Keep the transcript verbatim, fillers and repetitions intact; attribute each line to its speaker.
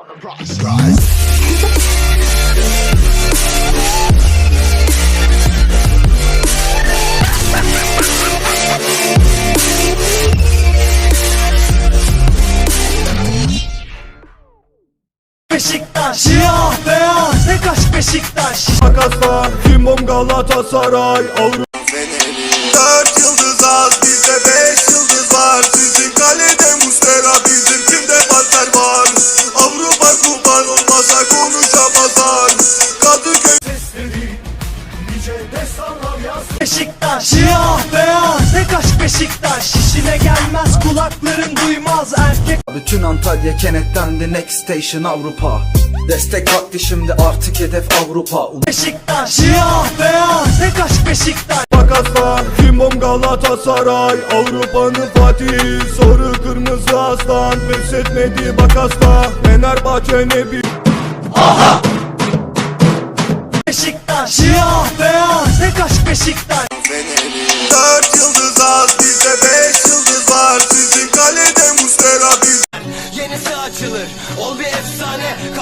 Speaker 1: Beşiktaş, siyah beyaz, tek aşk Beşiktaş.
Speaker 2: Makasla, Cimbom Galatasaray, Avrupa. Dört yıldız az, bizde beş yıldız var. Sizin kalede Muslera, bizim kimde Panter var. Avrupa kurban olmasa konuşamazlar. Kadıköy
Speaker 1: Sesleri, nice destanlar yaz. Beşiktaş, siyah beyaz, tek aşk Beşiktaş. İşine gelmez, kulakların duymaz erkek.
Speaker 3: Bütün Antalya kenetlendi, next station Avrupa. Destek vakti şimdi, artık hedef Avrupa.
Speaker 1: Beşiktaş, siyah beyaz, tek aşk Beşiktaş.
Speaker 2: Makasla, Cimbom Galatasaray, Avrupa'nın Fatih. Sarı kırmızı aslan, pes etmedi bak asla. Fenerbahçe ne bir
Speaker 1: Beşiktaş, siyah beyaz, tek aşk Beşiktaş.